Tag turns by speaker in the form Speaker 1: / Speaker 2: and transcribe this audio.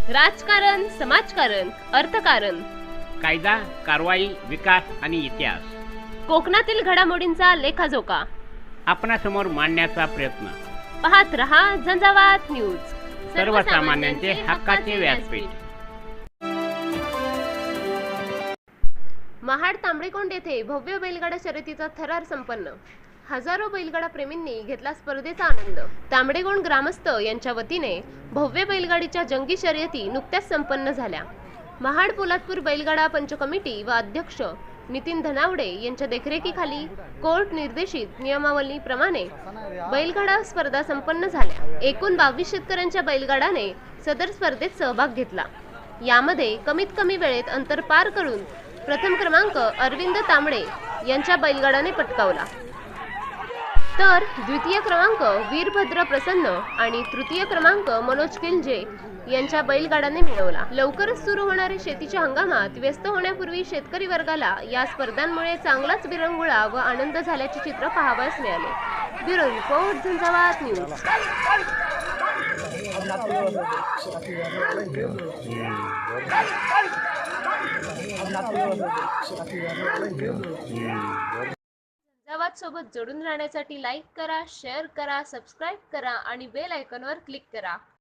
Speaker 1: राजकारण, समाजकारण, अर्थकारण,
Speaker 2: कायदा, कारवाई, विकास आणि इतिहास
Speaker 1: कोकणातील घडामोडींचा लेखाजोखा
Speaker 2: आपणासमोर मांडण्याचा प्रयत्न.
Speaker 1: पाहत रहा झंझावात न्यूज,
Speaker 2: सर्वसामान्यांचे हक्काचे व्यासपीठ.
Speaker 1: महाड तांबडेकोंड येथे भव्य बैलगाडा शर्यतीचा थरार संपन्न. हजारो बैलगाडा प्रेमींनी घेतला स्पर्धेचा आनंद. तांबडेकोंड ग्रामस्थ यांच्या वतीने भव्य बैलगाडीच्या जंगी शर्यती नुकत्याच संपन्न झाल्या. महाड पोलादपूर बैलगाडा पंच कमिटी व अध्यक्ष नितीन धनावडे यांच्या देखरेखीखाली कोर्ट निर्देशित नियमावलीप्रमाणे बैलगाडा स्पर्धा संपन्न झाल्या. एकूण 22 शेतकऱ्यांच्या बैलगाडाने सदर स्पर्धेत सहभाग घेतला. यामध्ये कमीत कमी वेळेत अंतर पार करून प्रथम क्रमांक अरविंद तांबडे यांच्या बैलगाडाने पटकावला, तर द्वितीय क्रमांक वीरभद्र प्रसन्न आणि तृतीय क्रमांक मनोज किल्जे यांच्या बैलगाडाने मिळवला. लवकरच सुरू होणाऱ्या शेतीच्या हंगामात व्यस्त होण्यापूर्वी शेतकरी वर्गाला या स्पर्धांमुळे चांगलाच विरंगुळा व आनंद झाल्याचे चित्र पाहावयास मिळाले. Bureau report, Zanzavat news. Zanzavat सोबत जोडून राहण्यासाठी लाईक करा, शेअर करा, सबस्क्राईब करा आणि बेल आयकॉनवर क्लिक करा.